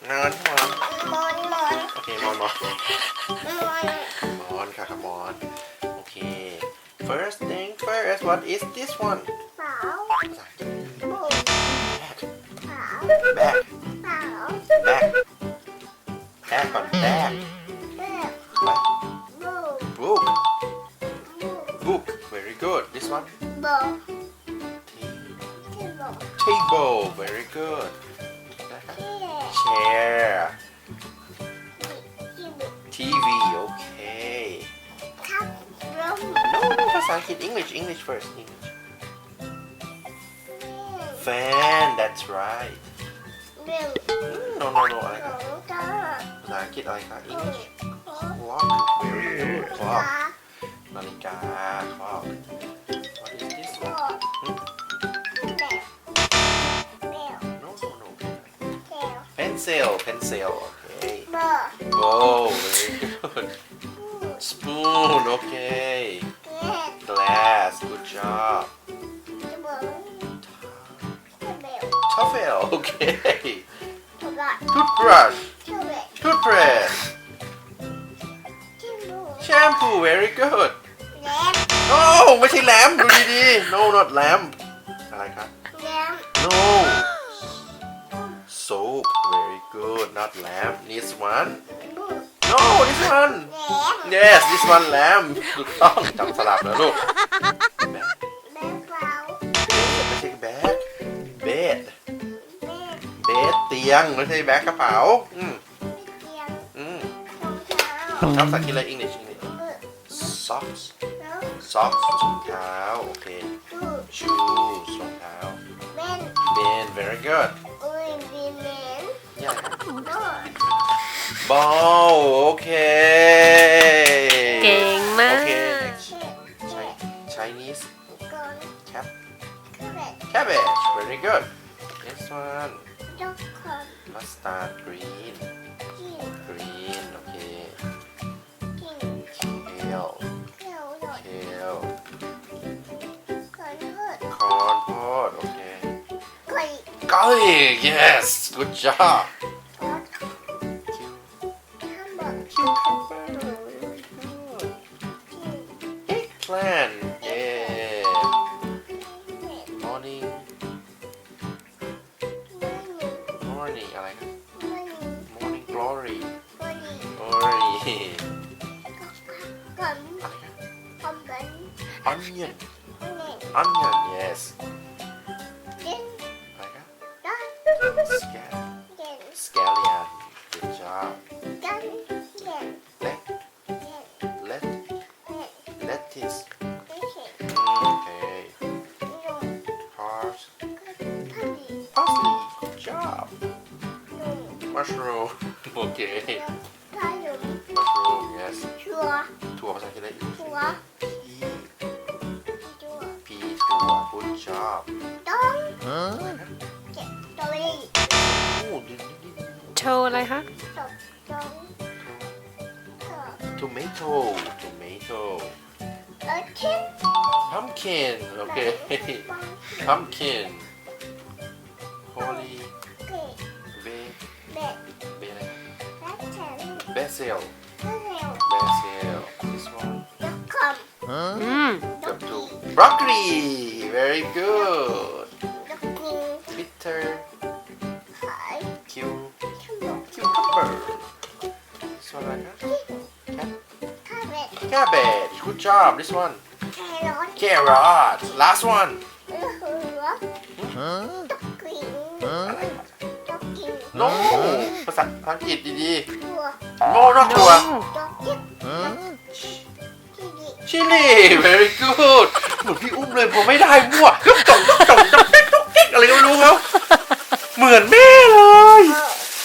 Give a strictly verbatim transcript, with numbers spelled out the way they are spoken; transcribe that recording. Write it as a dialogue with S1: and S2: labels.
S1: ฮอนฮอน
S2: มอนมอน
S1: โอเคมอนมอน
S2: มอน
S1: มอนค่ะมอนโอเค first thing first what is this one
S2: เปล่า
S1: ภาษาอังกฤษ
S2: บุก
S1: bag
S2: เปล่า
S1: bag
S2: เปล่า
S1: bag bag ก่อน bag
S2: เด็ก
S1: What?
S2: บุก
S1: book
S2: บุก
S1: book very good this one
S2: บุก
S1: T-
S2: ที่บุก
S1: table very good นะครับ
S2: ที่
S1: chair
S2: ที่บุก
S1: ที วี okay
S2: ทับร่ม
S1: no no ภาษาอังกฤษ English English first English fan that's right
S2: เร็ว
S1: no no no อะไร
S2: ข
S1: ค
S2: อ
S1: รับ
S2: งตา
S1: ภาษาอังกฤษอะไรครับ
S2: ของ
S1: English
S2: ของ
S1: clock very good
S2: ตา
S1: clock นาฬิกา clock what is this
S2: ก็
S1: one
S2: แบบเร็ว
S1: no no no
S2: แก้ว
S1: pencil pencil okay
S2: เบอร์
S1: bowl very good spoon okay
S2: แก้ว
S1: glass good job
S2: ที่บุกที่เบล
S1: towel okay
S2: ถูกอ่ะ
S1: toothbrush
S2: ที่เบล
S1: toothbrush
S2: ที่บุก
S1: shampoo very good
S2: แลม
S1: no ไม่ใช่แลมดูดีๆ no not lamp อะไรครับ
S2: แลม
S1: no soap very good not lamp this one
S2: บุก
S1: no this one
S2: แลม
S1: yes this one lamp ถูกต้องจำสลับแล้วลูก
S2: แบงเปล่า
S1: ไม่ใช่แบ็ค bed
S2: เบ็ด
S1: bed เตียงไม่ใช่แบ็คกระเป๋าอืม
S2: เตียง
S1: อืม
S2: รองเท้า
S1: ชอบสักทีเลย English English
S2: มือ
S1: socks
S2: แล้ว
S1: socks รองเท้าโอเค
S2: ดู
S1: shoes รองเท้า
S2: เบน
S1: bin very good
S2: อุ้ยบีเมน
S1: yeah
S2: โดด
S1: ball โอเค
S3: เก่งมาก
S1: โอเค next
S2: เช็ดเช็ด
S1: Chinese
S2: ก่อน
S1: cap
S2: ก็แบบ
S1: cabbage very good next one
S2: ยกคน
S1: mustard green
S2: กิน
S1: green โอเค
S2: กิน
S1: kale
S2: เที่ยวโดด
S1: kale
S2: ก่อนเถิด
S1: corn pod โอเค
S2: ก่อย
S1: garlic yes good job
S2: ทอด
S1: Cu-
S2: ข้ามบอก
S1: cucumber very good
S2: กิน
S1: eggplant yeah
S2: เผ็ด
S1: morning
S2: ไม่มี
S1: morning อะไรครับ
S2: ไม่มี
S1: morning glory
S2: ไม่มี
S1: glory
S2: ก่อน
S1: อะไรครับ
S2: คอมเป็น
S1: onion
S2: ไม่เน่
S1: onion yes
S2: กิน
S1: อะไรครับ
S2: ได้
S1: Scal-
S2: เด่น
S1: scallion good job
S2: กันเด่น
S1: let
S2: เด่น
S1: let
S2: เด่น
S1: lettuce
S2: ไม่เห็น
S1: okay
S2: นุ่ม
S1: cars
S2: ก็พอดี
S1: parsley good job
S2: นุ่ม
S1: mushroom okay
S2: ถ้านุ่ม
S1: mushroom yes
S2: ชัวร์
S1: ถั่วภาษาอังกฤษอะไรอีก
S2: ชัวร์
S1: pea
S2: ชัวร์
S1: pea ถั่ว good job
S2: ต้องเจ็บตัวเอง
S1: โอ้ดีดีดี
S3: โชว์อะไรคะ
S2: ตบต้องเถอะ
S1: tomato tomato
S2: เออทิ้ง
S1: pumpkin okay pumpkin holy
S2: เก๋
S1: bay
S2: เบ็ด
S1: bay อะไร
S2: แล้แข็ง
S1: basil
S2: ก็เร็ว
S1: basil this one
S2: ยกคำ
S3: อืม
S1: เกือบถูก broccoli very good
S2: ยกนิ้ว
S1: bitter
S2: ขาย
S1: Q
S2: ชั่วโมง
S1: cucumber this one อะไรครับ
S2: ข้าวเบ็ด
S1: cabbage good job this one
S2: แครอท
S1: carrot last one
S2: เออหัวตกกลิ่น
S1: อะไรครับ
S2: ตกกลิ่น
S1: no ภาษาอังกฤษดี
S2: ตัว
S1: ๆ no นอกตัว
S2: ตกจิ๊บที่ดี
S1: chili very good เหมือนพี่อุ้มเลยผมไม่ได้มั่ว